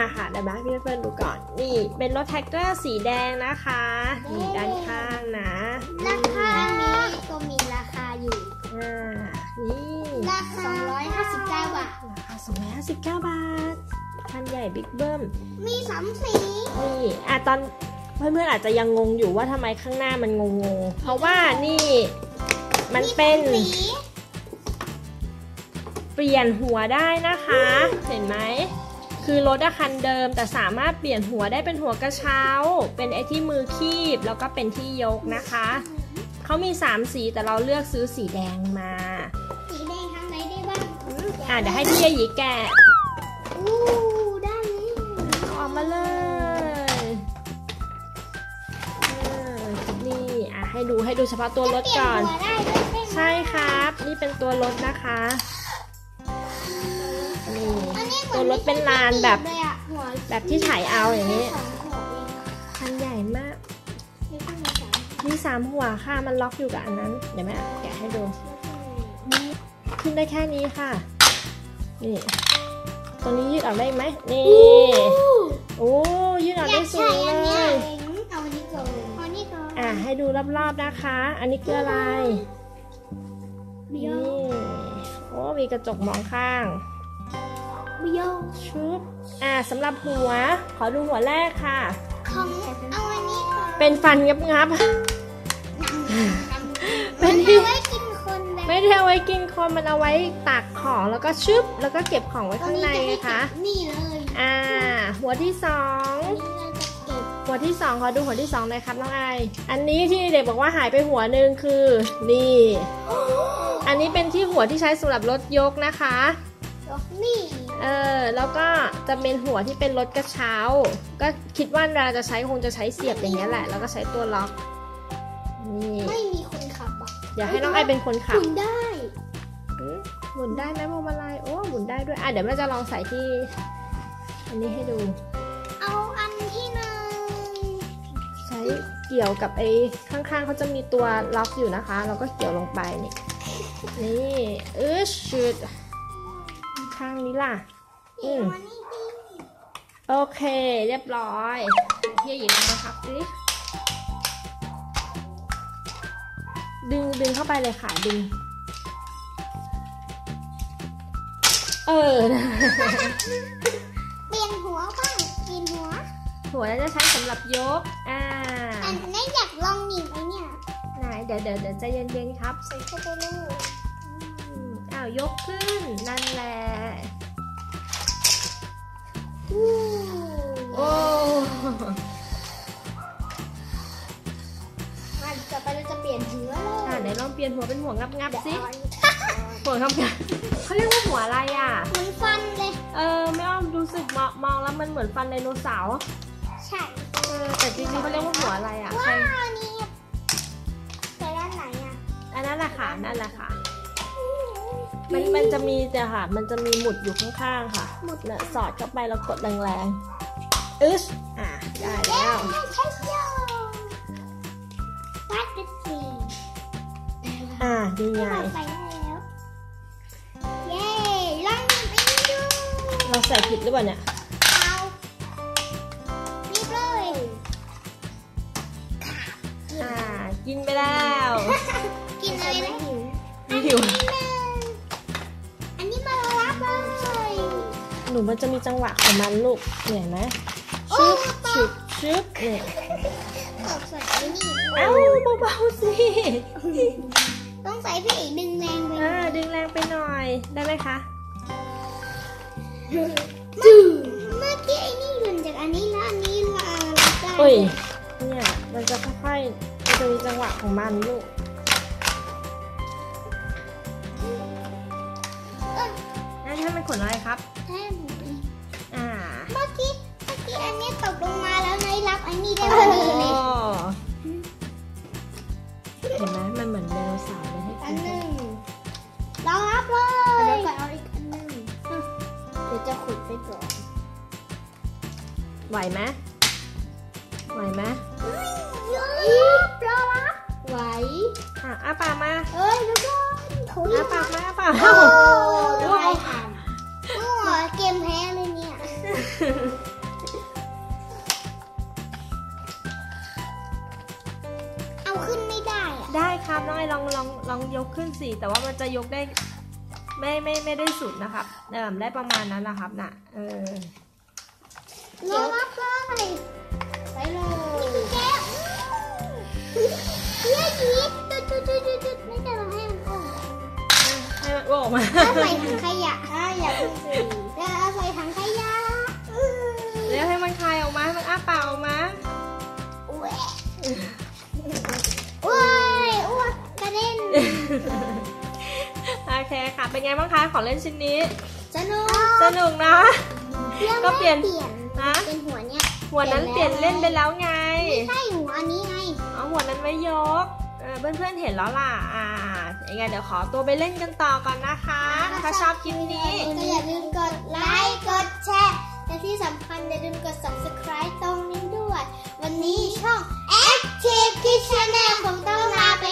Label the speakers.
Speaker 1: ค่ะเดี๋ยวมาพี่เพื่อนดูก่อนนี่เป็นรถแท็กเตอร์สีแดงนะคะนี่ด้านข้างนะ
Speaker 2: ราคานี้ก็มีราคาอยู่
Speaker 1: นี่
Speaker 2: ราคา259 บาท
Speaker 1: ราคา259 บาทคันใหญ่บิ๊กเบิ้ม
Speaker 2: มี3 สี
Speaker 1: นี่ตอนเพื่อนๆอาจจะยังงงอยู่ว่าทำไมข้างหน้ามันงงๆเพราะว่านี่มันเป็นเปลี่ยนหัวได้นะคะเห็นไหมคือรถคันเดิมแต่สามารถเปลี่ยนหัวได้เป็นหัวกระเช้าเป็นไอ้ที่มือคีบแล้วก็เป็นที่ยกนะคะเขามี3 สีแต่เราเลือกซื้อสีแดงมา
Speaker 2: สีแดงทางไหนได้บ้าง
Speaker 1: เดี๋ยวให้พี่ยายีแกะ
Speaker 2: ได้
Speaker 1: ออกมาเลยนี่ให้ดูเฉพาะตัวรถก่อนใช่ครับนี่เป็นตัวรถนะคะนี่ตัวรถเป็นลานแบบที่ถ่ายเอาอย่างนี้คันใหญ่มากมี3 หัวค่ะมันล็อกอยู่กับอันนั้นเดี๋ยวแม่แกะให้ดูขึ้นได้แค่นี้ค่ะนี่ตัวนี้ยืดออกได้ไหมนี่โอ้ยืดออกได้สูงเลยให้ดูรอบๆนะคะอันนี้คืออะไรนี่โอ้มีกระจกมองข้างชุบสำหรับหัวขอดูหัวแรกค่ะ
Speaker 2: เอาอันนี้
Speaker 1: เป็นฟันงับ
Speaker 2: เป็นที่ไว้กินคน
Speaker 1: ไม่ได้เอาไว้กินคนมันเอาไว้ตักของแล้วก็ชุบแล้วก็เก็บของไว้ข้างในนะคะ
Speaker 2: นี่เลย
Speaker 1: หัวที่2ขอดูหัวที่2เลยครับน้องไออันนี้ที่เด็กบอกว่าหายไปหัวนึงคือนี่อันนี้เป็นที่หัวที่ใช้สำหรับรถยกนะคะ
Speaker 2: นี่
Speaker 1: แล้วก็จะเป็นหัวที่เป็นรถกระเช้าก็คิดว่าเราจะใช้คงจะใช้เสียบอย่างนี้แหละแล้วก็ใช้ตัวล็อกนี่
Speaker 2: ไม่มีคนขับ
Speaker 1: เดี๋ยวให้น้องไอเป็นคนขับ
Speaker 2: หมุนได้
Speaker 1: หมุนได้ไหมพวงมาลัยโอ้หมุนได้ด้วยเดี๋ยวแม่จะลองใส่ที่อันนี้ให้ดู
Speaker 2: เอาอันที่1
Speaker 1: ใช้เกี่ยวกับไอ้ข้างๆเขาจะมีตัวล็อกอยู่นะคะเราก็เกี่ยวลงไปนี่ชุดข้างนี้ล่ะโอเคเรียบร้อยพี่หญิงนะครับดึงเข้าไปเลยค่ะดึง
Speaker 2: เปลี่ยนหัวบ้างเปลี่ยน
Speaker 1: หัวแล้วจะใช้สำหรับยก
Speaker 2: อันนี้อยากลองหนีบไอ้เนี่ย
Speaker 1: ไหนเดี๋ยวใจเย็นๆครับ
Speaker 2: ใส่เข้าไปเลย
Speaker 1: ยกขึ้นนั่นแหละโอ้
Speaker 2: ต่อไปเราจะเปลี่ยนหัว
Speaker 1: ไหนลองเปลี่ยนหัวเป็นหัวงับสิหัวงับเขาเรียกว่าหัวอะไร
Speaker 2: เหมือนฟันเลย
Speaker 1: ไม่อ้อมรู้สึกมองแล้วมันเหมือนฟันไดโนเสาร์
Speaker 2: ใช่
Speaker 1: แต่จริงๆเขาเรียกว่าหัวอะไร
Speaker 2: ว้าวนี่แต่ด้านไหน
Speaker 1: อันนั้นแหละค่ะนั่นแหละค่ะมันจะมีค่ะมันจะมีหมุดอยู่ข้างๆค่ะหมุดเนี่ยสอดเข้าไปแล้วกดแรงๆได้แล้ว
Speaker 2: วัดเป็นสี
Speaker 1: ดีไง
Speaker 2: เย้ลองไปดู
Speaker 1: เราใส่ผิดหรือเปล่าเนี่ย
Speaker 2: รีบเลย
Speaker 1: กินไปแล้ว
Speaker 2: กินอะไรนะ
Speaker 1: หิวหนูมันจะมีจังหวะของมันลูกเห็นไหมชึบเนี่ยเบาๆสิ
Speaker 2: ต้องใส่พี่อีกดึงแรงไป
Speaker 1: ดึงแรงไปหน่อยได้ไหมคะ
Speaker 2: เมื่อกี้ไอ้นี่หล่นจากอันนี้แล้วอันนี้
Speaker 1: ได้เนี่ยมันจะค่อยๆมันจะมีจังหวะของมันลูกให้มันขนอะไรครับ
Speaker 2: เมื่อกี้อันนี้ตกลงมาแล้วนายรับอันนี้ได้พอดีเลย
Speaker 1: เห็นไหมมันเหมือนไดโนเสาร์เลยให้
Speaker 2: อันนึงเรารับเลยเดี๋ยวก่อนเอาอีกอันนึงเดี๋ยวจะขุดไปก่อน
Speaker 1: ไหวไหม
Speaker 2: รอรับไหว
Speaker 1: ปากมา
Speaker 2: แล้วก็
Speaker 1: ปากมา
Speaker 2: โอ้ยเกมแพ้เลยเนี่ย
Speaker 1: นะครับน้องไอลองยกขึ้นสิแต่ว่ามันจะยกได้ไม่ได้สุดนะครับได้ประมาณนั้นนะครับน่ะ
Speaker 2: รอรับเลยไปเลยแก้วเย้จีจุดไม่จะมาให้มันออก
Speaker 1: ให้มันออกมา
Speaker 2: ใส่ถังขยะอย่าเพิ่งสิแล้วใส่ถังขยะ
Speaker 1: แล้วให้มันคายออกมาให้มันอ้าปากออกมา
Speaker 2: อ้วนกระเด็น
Speaker 1: โอเคค่ะเป็นไงบ้างคะของเล่นชิ้นนี้
Speaker 2: สนุ
Speaker 1: กนะก็เปลี่ยน
Speaker 2: นะเป็นหัวเนี้ย
Speaker 1: หัวนั้นเปลี่ยนเล่นไปแล้วไง
Speaker 2: ไม่ใช่หัวอันนี้ไง
Speaker 1: หัวนั้นไม่ยกเพื่อนเห็นแล้วล่ะยังไงเดี๋ยวขอตัวไปเล่นกันต่อก่อนนะคะถ้าชอบคลิปนี้
Speaker 2: ก็อย่าลืมกดไลค์กดแชร์และที่สำคัญอย่าลืมกด subscribe ตรงนี้ด้วยวันนี้ช่อง Active Kids Channel ผมต้องลาไป